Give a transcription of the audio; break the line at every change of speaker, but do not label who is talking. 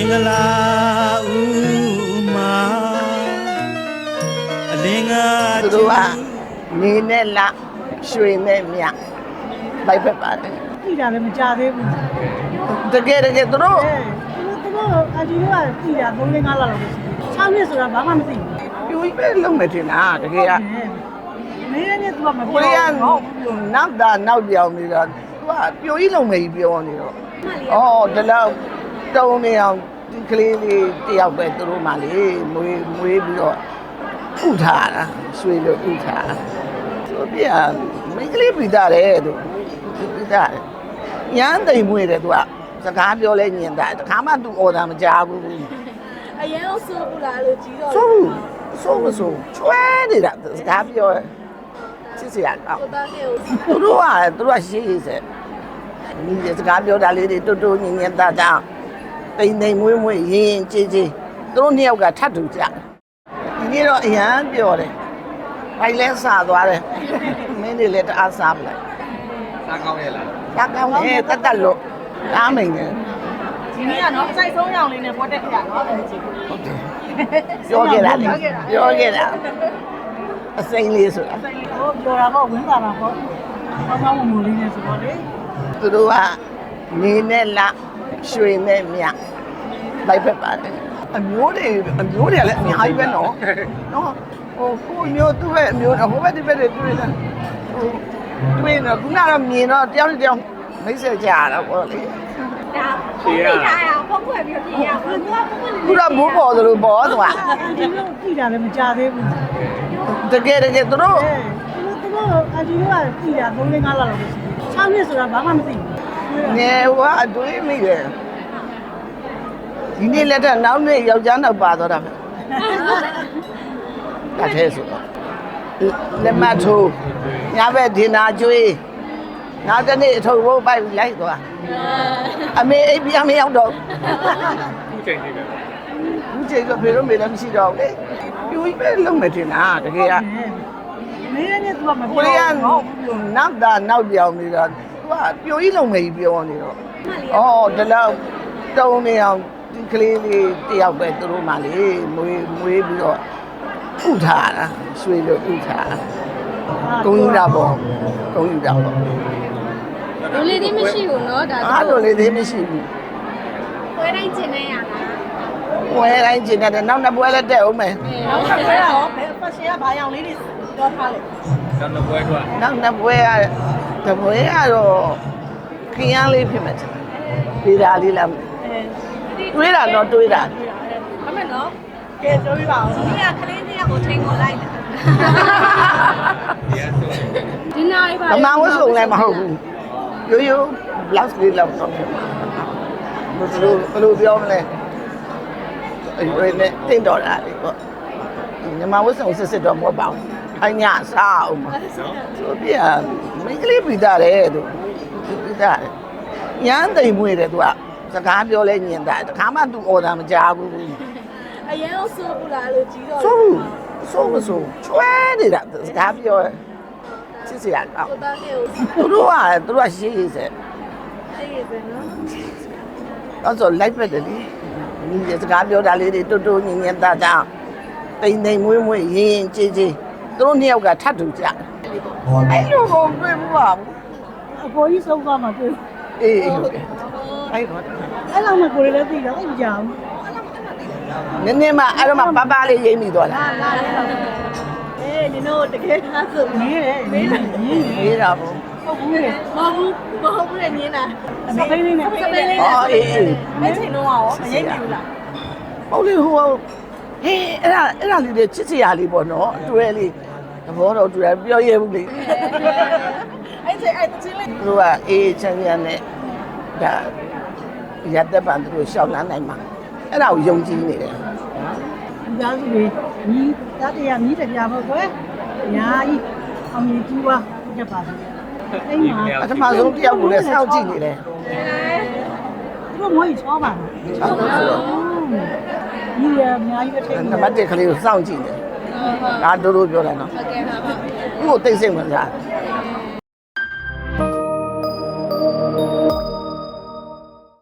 င်္ဂလာဦးမာအလင်းက
သူတို့ကနေနဲ့လရွှေနဲ့မြလိုက်ဖက်ပါတယ်
ကြည့်တာလည်းမကြသေးဘူး
တကယ်သူတို့
အဒီကကြည့်တာ3-5လလောက်ပဲရှိတယ်6နှစ်ဆိုတာဘာမှမသိဘူး
ပြိုကြီးပဲလုံးမယ်ထင်တာတကယ်က
နေနဲ့သူကမ
ပြောဘူးနောက်ပြောင်းနေတော့သူကပြိုကြီးလုံးမယ်ကြီးပြောနေတော့ဒီလောက်တုံးနေအောင်ဒီကလေးလေးတယောက်ပဲသူတို့မှလေမွေးပြီးတော့ဥထားတာရွှေလို့ဥထားသူပြမိန်းကလေးပြီးသားတယ်သူပြီးသားရမ်းသိမ်မွေးတယ်သူကစကားပြောလဲညင်တာတခါမှသူအော်တာမကြားဘူး
အရင်ကဆိုးဘူးလားလို့ကြီးတော့
ဆိုးမဆိုးချွဲနေတာစကားပြောစစ်စရာကောင်းသူတို့ကရှိစေဒီစကားပြောတာလေးတွေတိုးညင်ညင်တာတာတိမ်မွေးရင်ကြေးသူတို့နှစ်ယောက်ကထပ်တူကြဒီနေ့တော့အရန်ပြောတယ်ဘိုင်လဲစားသွားတယ်မင်းတွေလည်းတအားစားပလိုက်
စားကောင်းရဲ့လား
စားကောင်းတယ်တက်လို့ကားမိန်တယ်
ဒီနေ့ကနော်စိုက်ဆုံးရောင်လေးနဲ့ပေါ်တက်ခဲ့ရနော်အဲ့ဒီ
ဟုတ်တယ်ပြောခဲ့တာအစိမ်းလေးဆိုတာ
ဟိုပြောတာပေါ့ဝင်းတာပါပေါ့ကောင်းမူလေးနဲ့ဆိုတော့လေ
သူတို့ကနေနဲ့လရွှေနဲ့မြလိုက်ဖက်ပါတယ်အမျိုးတွေလည်းအများကြီးပဲနော်ဟိုကိုမျိုးသူ့ရဲ့အမျိုးဟိုဘက်ဒီဘက်တွေတွေ့တယ်တွေ့တော့ခုနကတော့မြင်တော့တယောက်မိတ်ဆက်ကြရတာပေါ့လေ
ဒါကိုပြထားရအောင်ဖုတ်ဖွဲ့ပြီးပြရအောင်
ခုတော့မိုးပေါ်သလိုပေါ်သွား
ဒီလိုကြည့်တာလည်းမကြသေးဘူး
တကယ်သူတို့
အဒီကကြည့်တာ3-5လလောက်ပဲရှိတယ်6နှစ်ဆိုတာဘာမှမသိဘူး
ငယ်ကအတွေးမိတယ်ဒီနေ့လက်ထက်နောက်နေ့ယောက်ျားနောက်ပါတော့တာပဲတတ်သေးဆိုတော့လက်မထိုးညဘက်ဒင်နာကျွေးနောက်တနေ့အထုပ်ဘိုးပိုက်လိုက်သွားအမေအိပ်ပြမရောက်တော့
ခုချိန်နေပဲ
ခုချိန်ဆိုဖေတို့မေလည်းမရှိတော့ဘူးလေပြိုကြီးပဲလုံးမယ်ထင်တာတကယ်က
နေနဲ့သူကမ
ပြောဘူးနောက်ပြောင်းနေတော့သူကပြိုကြီးလုံးမယ်ကြီးပြောနေတော့ဒီလောက်တုံးနေအောင်ဒီကလေးလေးတယောက်ပဲသူတို့မှလေမွေးပြီးတော့ဥထားတာရွှေလို့ဥထားကုန်းယူတာပေါ့
လူလေးသေးမရှိဘူးเนาะဒါ
လူလေးသေးမရှိဘူး
ပွဲတိုင်းကျင်နေရတာ
ပွဲတိုင်းကျင်တယ်နောက်နှစ်ပွဲလည်းတက်အောင်မယ်
နောက်နှစ်ပွဲရောဘယ်ဖက်ရှင်ကဘာရောင်လေးတွေပြောထားလဲ
နောက်နှစ်ပွဲတော့
နောက်နှစ်ပွဲကတပွဲကတော့ခရမ်းလေးဖြစ်မယ်ပြည်သားလေးလားတွေးတာတော့တွေးတာ
အမေနော်
ကဲပြောပြပါဦး
ဒီကကလေးတွေကကိုထိန်ကိုလိုက်တာဒီနားပါ
အမဝတ်စုံလည်းမဟုတ်ဘူးရိုး blouse လေးလောက်တော့ဘယ်လိုပြောမလဲအဲ့နဲ့တင်တော်တာလေပေါ့ညီမဝတ်စုံစစ်တော့မဟုတ်ပါဘူးအညာစားအောင်ပါဆိုပြမိန်းကလေးပြီးသားတယ်သူပြီးသားရမ်းသိမ်မွေးတယ်သူကစကားပြောလဲညင်တာတခါမှသူအော်တာမကြားဘူး
အရင်ကဆိုးဘူးလားလို့ကြီးတော့
ဆိုးမဆိုးချွဲနေတာစကားပြောစစ်စရာကောင်းသူတို့ကရှိစေ
နော်
ဆိုလိုက်ဖက်တယ်လေဒီစကားပြောတာလေးတွေတိုးညင်ညင်တာတာတိမ်မွေးရင်ကြေးသူတို့နှစ်ယောက်ကထပ်တူကြအဲ့လိုကိုတွေ့ဘူးပါဘူး
အပေါ်ကြီးဆုံးသွားမှတွေ့
အေးဟုတ်တယ်
အဲ့လောက်မှကိုယ်လည်းသိတော့အဲ့မကြောင်
နည်းမှအဲ့တော့မှပပလေးရိမ့်မိသွားတာ
နင်တို့တကယ်သားဆို
နေတယ်
မေးတာပေါ့
ဟုတ်ဘူးလေမဟုတ်ဘူးလေနင်းတာ
စပိန်လေးနဲ့
အေး
အဲ့ချိန်တော့ရောမရိပ်ဘူးလား
ဟုတ်လေဟိုဟေးအဲ့ဒါလေးတွေချစ်စရာလေးပေါ့နော်အတွဲလေးသဘောတော့တူတယ်ပြောရဲဘူးလေ
အဲ့ချိန်အဲ့ချင်းလေး
သူကအေးချမ်းချမ်းနဲ့ဒါရတဲ့ပန်သူရှောက်လန်းနိုင်မှာအဲ့ဒါကိုယုံကြည်နေတယ်
ဒီသားစုတွေညီသားတရားမြည်တရားပေါ့ကွယ်ညာကြီးအောင်မြင်ကြည့်ပါကြက်ပါစေ
အိမ်မှာပထမဆုံးတယောက်ကိုလည်းစောင့်ကြည့်နေတယ်
သူတို့မွေးချောပါလားညီရအများကြီးပဲထိ
နံပါတ်1ကလေးကိုစောင့်ကြည့်နေဒါတို့ပြောတယ်နော်
ဟုတ်ကဲ့ပါ
သူ့ကိုသိစိတ်ဝင်စား